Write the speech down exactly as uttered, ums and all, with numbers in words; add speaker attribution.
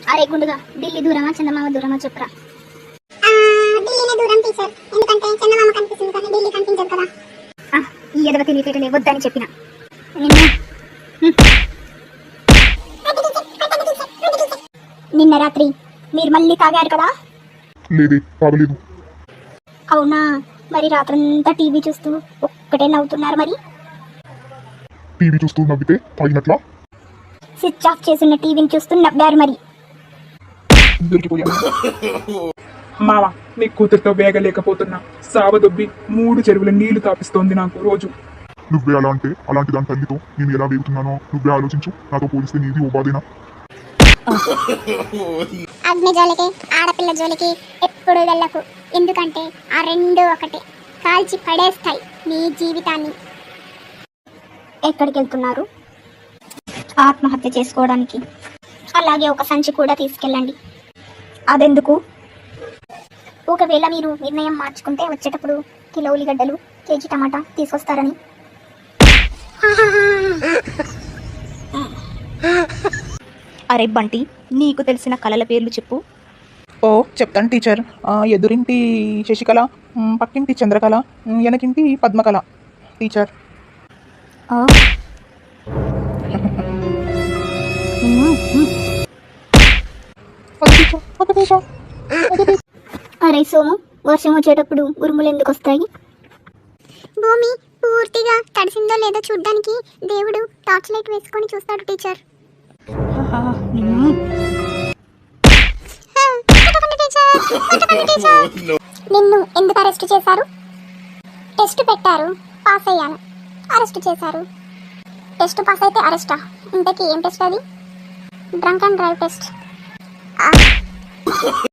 Speaker 1: అరే గుండుగా ఢిల్లీ దూరమా చందమామ దూరమా చెప్పురా.
Speaker 2: ఢిల్లీనే దూరం టీచర్, ఎందుకంటే చందమామ కనిపిస్తుంది కానీ ఢిల్లీ కనిపించదు కదా.
Speaker 1: ఈ ఎదవ తెలియటలే వద్దని చెప్పిన నిన్న నిన్న రాత్రి మీరు మళ్ళీ తాగారు కదా?
Speaker 3: లేదే, తాగలేదు.
Speaker 1: అవునా, మరి రాత్రంతా టీవీ చూస్తూ ఒక్కటే నవ్వుతున్నారు. మరి
Speaker 3: టీవీ చూస్తూ నవ్వితే తాగినట్లా?
Speaker 1: స్విచ్ ఆఫ్ చేసిన టీవీని చూస్తూ నవ్వారు. మరి
Speaker 3: దొరికిపోయాను.
Speaker 4: మావ, నీ కూతురుతో వేగలేకపోతున్నా. సావదొబ్బి మూడు చెరువుల నీళ్లు తాపిస్తోంది నాకు రోజు.
Speaker 3: నువ్వే అలా అంటే అలాంటి దాని తల్లితో నేను ఎలా వేగుతున్నానో నువ్వే ఆలోచించు. నాతో పోలిస్తే నీది ఓ బాధేనా?
Speaker 2: అగ్ని జోలికి ఆడపిల్ల జోలికి ఎప్పుడు వెళ్ళకు, ఎందుకంటే ఆ రెండు ఒకటే, కాల్చి పడేస్తాయి నీ జీవితాన్ని.
Speaker 1: ఎక్కడికి వెళ్తున్నారు? ఆత్మహత్య చేసుకోవడానికి. అలాగే ఒక సంచి కూడా తీసుకెళ్ళండి. అదెందుకు? ఒకవేళ మీరు నిర్ణయం మార్చుకుంటే వచ్చేటప్పుడు కిలో ఉల్లిగడ్డలు, కేజీ టమాటా తీసుకొస్తారని.
Speaker 5: అరే బంటి, నీకు తెలిసిన కళల పేర్లు చెప్పు.
Speaker 4: ఓ చెప్తాను టీచర్. ఆ, ఎదురింటి శశికళ, మ్, పక్కింటి చంద్రకళ, మ్, వెనకింటి పద్మకళ టీచర్. ఒక టీచర్, ఒక టీచర్, ఒక టీచర్.
Speaker 1: అరే సోము, వర్షం వచ్చేటప్పుడు ఉరుములు ఎందుకు వస్తాయి?
Speaker 2: భూమి పూర్తిగా తడిసిందో లేదో చూడ్డానికి దేవుడు టార్చ్ లైట్ వేసుకొని చూస్తాడు టీచర్. నిన్ను ఎందుకు అరెస్ట్ చేశారు? టెస్ట్ పెట్టారు, పాస్ అయ్యాను, అరెస్ట్ చేశారు. టెస్ట్ పాస్ అయితే అరెస్టా? ఇంతకీ ఏం టెస్ట్ అది? Drunk and drive test.